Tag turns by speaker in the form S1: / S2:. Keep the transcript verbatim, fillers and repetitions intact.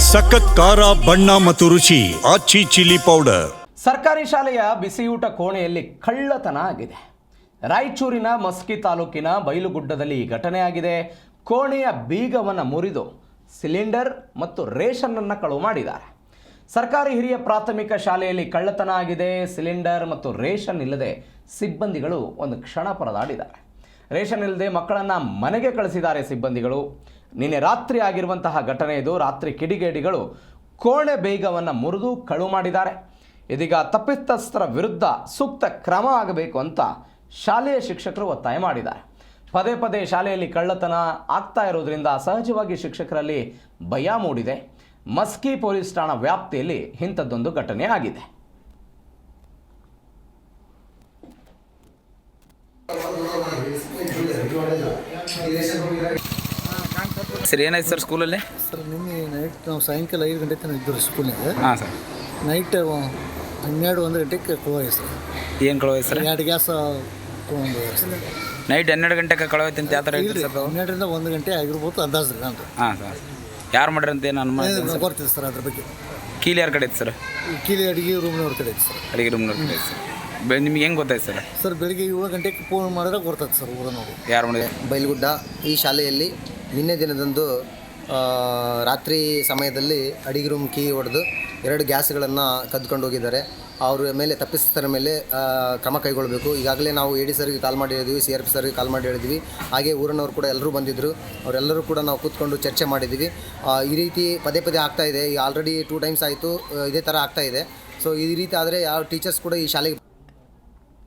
S1: ಸಖತ್ ಖಾರ ಬಣ್ಣ ಮತ್ತು ರುಚಿ ಆಚಿ ಚಿಲ್ಲಿ ಪೌಡರ್.
S2: ಸರ್ಕಾರಿ ಶಾಲೆಯ ಬಿಸಿಯೂಟ ಕೋಣೆಯಲ್ಲಿ ಕಳ್ಳತನ ಆಗಿದೆ. ರಾಯಚೂರಿನ ಮಸ್ಕಿ ತಾಲೂಕಿನ ಬೈಲುಗುಡ್ಡದಲ್ಲಿ ಈ ಘಟನೆ ಆಗಿದೆ. ಕೋಣೆಯ ಬೀಗವನ್ನು ಮುರಿದು ಸಿಲಿಂಡರ್ ಮತ್ತು ರೇಷನ್ನನ್ನು ಕಳುವು ಮಾಡಿದ್ದಾರೆ. ಸರ್ಕಾರಿ ಹಿರಿಯ ಪ್ರಾಥಮಿಕ ಶಾಲೆಯಲ್ಲಿ ಕಳ್ಳತನ ಆಗಿದೆ. ಸಿಲಿಂಡರ್ ಮತ್ತು ರೇಷನ್ ಇಲ್ಲದೆ ಸಿಬ್ಬಂದಿಗಳು ಒಂದು ಕ್ಷಣ ಪರದಾಡಿದ್ದಾರೆ. ರೇಷನ್ ಇಲ್ಲದೆ ಮಕ್ಕಳನ್ನು ಮನೆಗೆ ಕಳಿಸಿದ್ದಾರೆ ಸಿಬ್ಬಂದಿಗಳು. ನಿನ್ನೆ ರಾತ್ರಿ ಆಗಿರುವಂತಹ ಘಟನೆ ಇದು. ರಾತ್ರಿ ಕಿಡಿಗೇಡಿಗಳು ಕೋಣೆ ಬೇಗವನ್ನು ಮುರಿದು ಕಳುವು ಮಾಡಿದ್ದಾರೆ. ಇದೀಗ ತಪ್ಪಿತಸ್ಥರ ವಿರುದ್ಧ ಸೂಕ್ತ ಕ್ರಮ ಆಗಬೇಕು ಅಂತ ಶಾಲೆಯ ಶಿಕ್ಷಕರು ಒತ್ತಾಯ ಮಾಡಿದ್ದಾರೆ. ಪದೇ ಪದೇ ಶಾಲೆಯಲ್ಲಿ ಕಳ್ಳತನ ಆಗ್ತಾ ಇರೋದ್ರಿಂದ ಸಹಜವಾಗಿ ಶಿಕ್ಷಕರಲ್ಲಿ ಭಯ ಮೂಡಿದೆ. ಮಸ್ಕಿ ಪೊಲೀಸ್ ಠಾಣಾ ವ್ಯಾಪ್ತಿಯಲ್ಲಿ ಇಂಥದ್ದೊಂದು ಘಟನೆ ಆಗಿದೆ.
S3: ಸರ್ ಏನಾಯ್ತು ಸರ್ ಸ್ಕೂಲಲ್ಲಿ?
S4: ಸರ್ ನಿನ್ನೆ ನೈಟ್ ನಾವು ಸಾಯಂಕಾಲ ಐದು ಗಂಟೆ ತನಕ ಇದ್ದರು ಸ್ಕೂಲ್ನಾಗ.
S3: ಹಾಂ ಸರ್.
S4: ನೈಟ್ ಹನ್ನೆರಡು ಒಂದು ಗಂಟೆಗೆ ಕಳವಾಯ್ತು ಸರ್.
S3: ಏನು ಕಳವಾಯ್ತು ಸರ್?
S4: ಎರಡು ಗ್ಯಾಸ್ ತೊಗೊಂಡು ಸರ್.
S3: ನೈಟ್ ಹನ್ನೆರಡು ಗಂಟೆಗೆ ಕಳವಾಯ್ತು ಅಂತ ಯಾವ ಥರ
S4: ಇಲ್ಲ ಸರ್, ಹನ್ನೆರಡರಿಂದ ಒಂದು ಗಂಟೆ ಆಗಿರ್ಬೋದು ಅಂದಾಜು ರೀ ನಂದು.
S3: ಹಾಂ ಸರ್. ಯಾರು ಮಾಡ್ರಿ ಅಂತ ಏನು ಅನುಮಾನ
S4: ಬರ್ತೀವಿ ಸರ್ ಅದ್ರ ಬಗ್ಗೆ.
S3: ಕೀಲಿ ಯಾರ ಕಡೆ ಐತೆ ಸರ್?
S4: ಕೀಲಿ ಅಡುಗೆ ರೂಮ್ನವ್ರ ಕಡೆ ಐತೆ ಸರ್.
S3: ಅಡುಗೆ ರೂಮ್ನವ್ರ ಕಡೆ ಐತೆ ಸರ್. ಬೆ ನಿಮ್ಗೆ ಹೆಂಗೆ ಗೊತ್ತಾಯ್ತು ಸರ್?
S4: ಸರ್ ಬೆಳಿಗ್ಗೆ ಏಳು ಗಂಟೆಗೆ ಫೋನ್ ಮಾಡಿದ್ರೆ ಗೊತ್ತಾಯ್ತು ಸರ್ ಊರನವರು.
S3: ಯಾರು ಮಾಡಿದೆ?
S5: ಬೈಲುಗುಡ್ಡ ಈ ಶಾಲೆಯಲ್ಲಿ ನಿನ್ನೆ ದಿನದಂದು ರಾತ್ರಿ ಸಮಯದಲ್ಲಿ ಅಡಿಗೆ ರೂಮ್ ಕೀ ಹೊಡೆದು ಎರಡು ಗ್ಯಾಸ್ಗಳನ್ನು ಕದ್ಕೊಂಡು ಹೋಗಿದ್ದಾರೆ. ಅವರ ಮೇಲೆ ತಪ್ಪಿಸ್ಥರ ಮೇಲೆ ಕ್ರಮ ಕೈಗೊಳ್ಳಬೇಕು. ಈಗಾಗಲೇ ನಾವು ಎ ಡಿ ಸರ್ಗೆ ಕಾಲ್ ಮಾಡಿ ಹೇಳಿದ್ವಿ, ಸಿ ಆರ್ ಪಿ ಸರ್ಗೆ ಕಾಲ್ ಮಾಡಿ ಹೇಳಿದ್ವಿ. ಹಾಗೆ ಊರಿನವರು ಕೂಡ ಎಲ್ಲರೂ ಬಂದಿದ್ದರು. ಅವರೆಲ್ಲರೂ ಕೂಡ ನಾವು ಕೂತ್ಕೊಂಡು ಚರ್ಚೆ ಮಾಡಿದ್ವಿ. ಈ ರೀತಿ ಪದೇ ಪದೇ ಆಗ್ತಾಯಿದೆ. ಈಗ ಆಲ್ರೆಡಿ ಟೂ ಟೈಮ್ಸ್ ಆಯಿತು ಇದೇ ಥರ ಆಗ್ತಾಯಿದೆ. ಸೊ ಈ ರೀತಿ ಆದರೆ ಯಾವ ಟೀಚರ್ಸ್ ಕೂಡ ಈ ಶಾಲೆಗೆ